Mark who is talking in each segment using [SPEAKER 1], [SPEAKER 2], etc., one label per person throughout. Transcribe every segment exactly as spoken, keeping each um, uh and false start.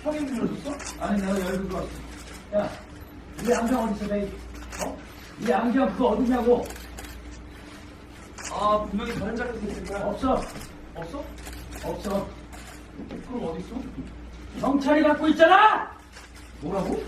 [SPEAKER 1] 형이 물어줬어?
[SPEAKER 2] 아니, 내가 열고 들어왔어. 야, 이 안경 어디서 내? 어? 이 안경 그거 어디냐고?
[SPEAKER 1] 아, 분명히 다른 자리에서 있을 거야.
[SPEAKER 2] 없어.
[SPEAKER 1] 없어?
[SPEAKER 2] 없어.
[SPEAKER 1] 그럼 어디 있어?
[SPEAKER 2] 경찰이 갖고 있잖아!
[SPEAKER 1] 뭐라고?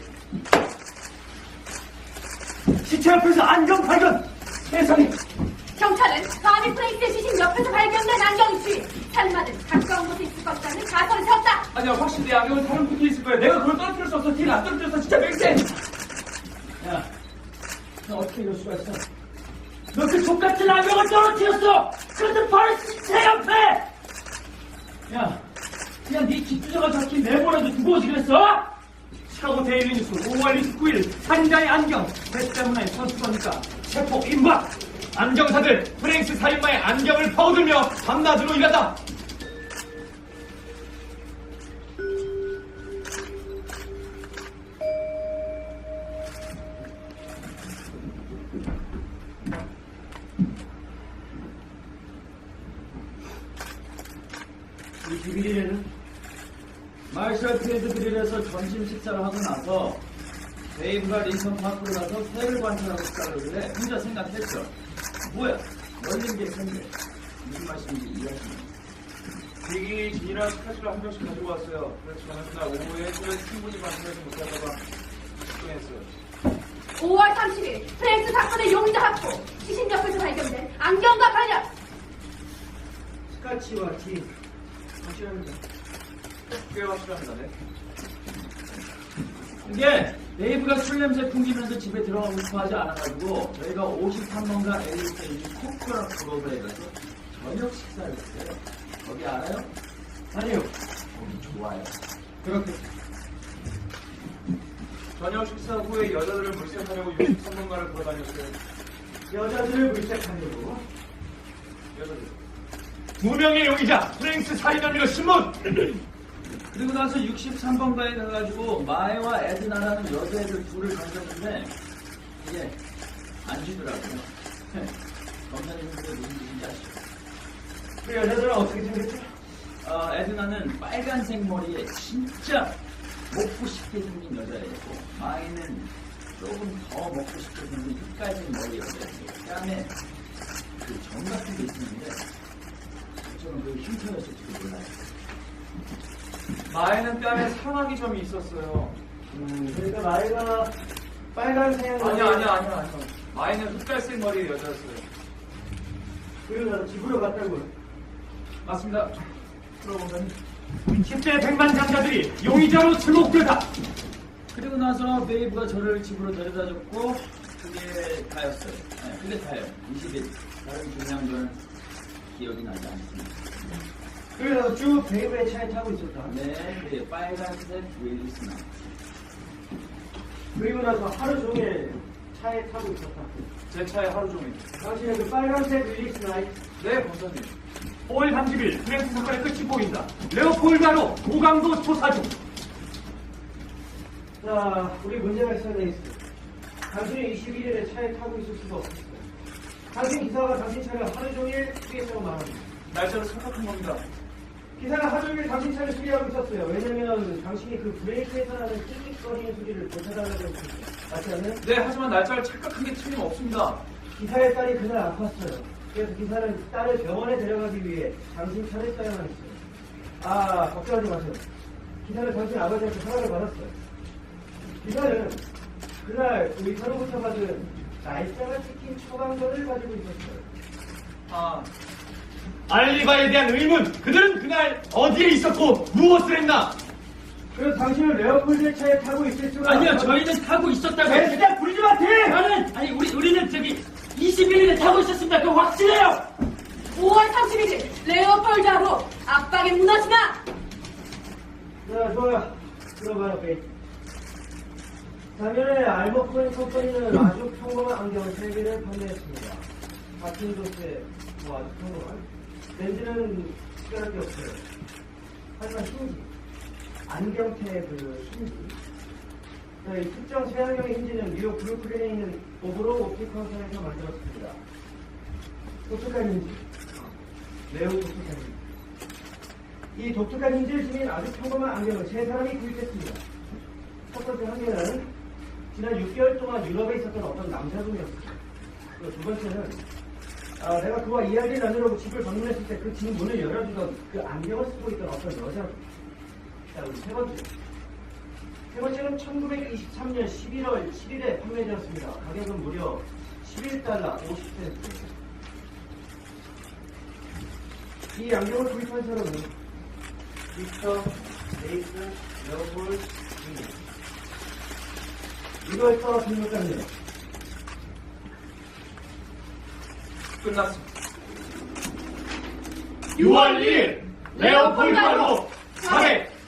[SPEAKER 2] 시체 앞에서 안경 발견! 세상에!
[SPEAKER 3] 경찰은 바비 프레이스의 시신 옆에서 발견된 안경이지. 살마는 가까운 곳에 있을 것 같다는 가설을 세웠다.
[SPEAKER 1] 아니야, 확실히 내 안경은 다른 분이 있을 거야. 내가 그걸 떨어뜨릴 수 없어. 뒤를 안 떨어뜨렸어. 진짜 맹세!
[SPEAKER 2] 야, 너 어떻게 이럴 수가 있어? 너 그 족같은 안경을 떨어뜨렸어! 그런데 바로 시체 옆에! 야, 그냥 네 뒷주저가 적힌 메모라도 두고 오지 그랬어?
[SPEAKER 1] 시카고 데일리 뉴스 오월 이십구일 살인자의 안경 대대문화의 선수거니까 체포 임박. 안경사들 프랭스 살인마의 안경을 퍼들며 밤낮으로 일한다.
[SPEAKER 2] 이십일일에는 마셜 필드 그릴에서 점심 식사를 하고 나서 데이브가 링컨 파크로 가서 새를 관찰하고 싶다고 그러길래 혼자 생각했죠. 뭐야? 열린 게 있었는데 무슨 말씀인지 이해하시나요?
[SPEAKER 1] 비기니 진이랑 스카치를 한 병씩 가지고 왔어요. 그래서 저는 그날 오후에 술에 충분히 마시지 못하다가 식동했어요.
[SPEAKER 3] 오월 삼십일 프레이스 사건의 용의자 확보. 시신 옆에서 발견된 안경과 발견.
[SPEAKER 2] 스카치와 티 확실합니다.
[SPEAKER 1] 꽤 확실합니다. 네.
[SPEAKER 2] 이게 데이브가 술 냄새 풍기면서 집에 들어가고 싶어 하지 않아가지고 저희가 오십삼 번가 엘리트 있는 코코라 클럽에 가서 저녁 식사를 했어요. 거기 알아요? 아니요. 거기 좋아요.
[SPEAKER 1] 그렇게 저녁 식사 후에 여자들을 물색하려고 육십삼 번가를 돌아다녔어요.
[SPEAKER 2] 여자들을 물색하려고?
[SPEAKER 1] 여자들. 두 명의 용의자 프랭스 살인 혐의로 신문.
[SPEAKER 2] 그리고 나서 육십삼 번가에 가가지고 마에와 에드나라는 여자애들 둘을 건졌는데 이게 안 주더라고요. 검사님은 그게 무슨 뜻인지 아시죠?
[SPEAKER 1] 그 여자들은 어떻게 생겼죠?
[SPEAKER 2] 어, 에드나는 빨간색 머리에 진짜 먹고 싶게 생긴 여자애였고 마에는 조금 더 먹고 싶게 생긴 흑갈색 머리 여자애고 그다음에 그 점 같은 게 있었는데 저는 그 흉터였을지도 몰라요.
[SPEAKER 1] 마에는 뺨에 상하기 점이 있었어요.
[SPEAKER 2] 음, 그러니까 마에가 빨간색
[SPEAKER 1] 아니야, 아니야, 아니야, 아니야. 마에는 흑갈색 머리의 여자였어요.
[SPEAKER 2] 그리고 나서 집으로 갔다고요.
[SPEAKER 1] 맞습니다. 들어보면
[SPEAKER 2] 십대 백만 장자들이 용의자로 지목되다. 그리고 나서 베이브가 저를 집으로 데려다줬고 그게 다였어요. 네, 그게 다예요. 이십 일. 다른 중요한 건 기억이 나지 않습니다.
[SPEAKER 4] 그래서 쭉 베이브의 차에 타고 있었다.
[SPEAKER 2] 네, 네 빨간색 윌리스나.
[SPEAKER 4] 그리고 나서 하루 종일 차에 타고 있었다.
[SPEAKER 1] 제 차에 하루 종일.
[SPEAKER 4] 당신은 그 빨간색 윌리스 나이.
[SPEAKER 1] 네, 검사님.
[SPEAKER 2] 오월 삼십일 프랭스 사건의 끝이 보인다. 레오폴드로 고강도 조사 중.
[SPEAKER 4] 자, 우리 문제가 있어야 되겠어. 당신이 이십일일에 차에 타고 있을 수가 없었어. 당신 기사가 당신 차를 하루 종일 수리했다고 말합니다.
[SPEAKER 1] 날짜를 착각한 겁니다.
[SPEAKER 4] 기사가 하루 종일 당신 차를 수리하고 있었어요. 왜냐면 당신이 그 브레이크에서 나는 낄낄거리는 소리를 고쳐달라고 했어요. 맞지 않나요?
[SPEAKER 1] 네, 하지만 날짜를 착각한 게 틀림없습니다.
[SPEAKER 4] 기사의 딸이 그날 아팠어요. 그래서 기사는 딸을 병원에 데려가기 위해 당신 차를 써야만 했어요. 아, 걱정하지 마세요. 기사는 당신 아버지한테 허락을 받았어요. 기사는 그날 의사로부터 받은 날짜가 찍힌 처방전을 가지고 있었어요.
[SPEAKER 1] 아,
[SPEAKER 2] 알리바에 대한 의문. 그들은 그날 어디에 있었고 무엇을 했나?
[SPEAKER 4] 그래서 당신은 레오폴드 차에 타고 있을 수가
[SPEAKER 2] 아니요,
[SPEAKER 4] 없어요.
[SPEAKER 2] 저희는 타고 있었다고.
[SPEAKER 4] 진짜 부리지 마세요!
[SPEAKER 2] 저는 아니 우리 우리는 저기 이십일일에 타고 있었습니다. 그거 확실해요.
[SPEAKER 3] 오월 삼십일일 레오폴드로 압박에 무너지나.
[SPEAKER 4] 자, 좋아요. 들어봐요, 베이. 작년에 알머코인 컴퍼니는 아주 평범한 안경 세 개를 판매했습니다. 같은 도수에 뭐 아주 평범한. 렌즈는 특별할 게 없어요. 하지만 힌지, 안경테의 그 힌지. 자, 이 특정 세안경의 힌지는 뉴욕 브루클린에 있는 오브로 옵티컬사에서 만들었습니다. 독특한 힌지. 매우 독특한 힌지. 이 독특한 힌지를 지닌 아주 평범한 안경을 세 사람이 구입했습니다. 첫 번째 한 개는 지난 육 개월 동안 유럽에 있었던 어떤 남자분이었습니다. 그리고 두 번째는 아, 내가 그와 이야기를 나누려고 집을 방문했을 때 그 집 문을 열어주던 그 안경을 쓰고 있던 어떤 여자분. 자, 그리고 세 번째. 세 번째는 천구백이십삼 년 십일월 칠일에 판매되었습니다. 가격은 무려 십일 달러 오십 센트. 이 안경을 구입한 사람은 빅터 레이스 레오폴드 주니어. 이걸 떠 등록합니다.
[SPEAKER 2] 끝났습니다.
[SPEAKER 1] 유월 일일 레오폴드로 사백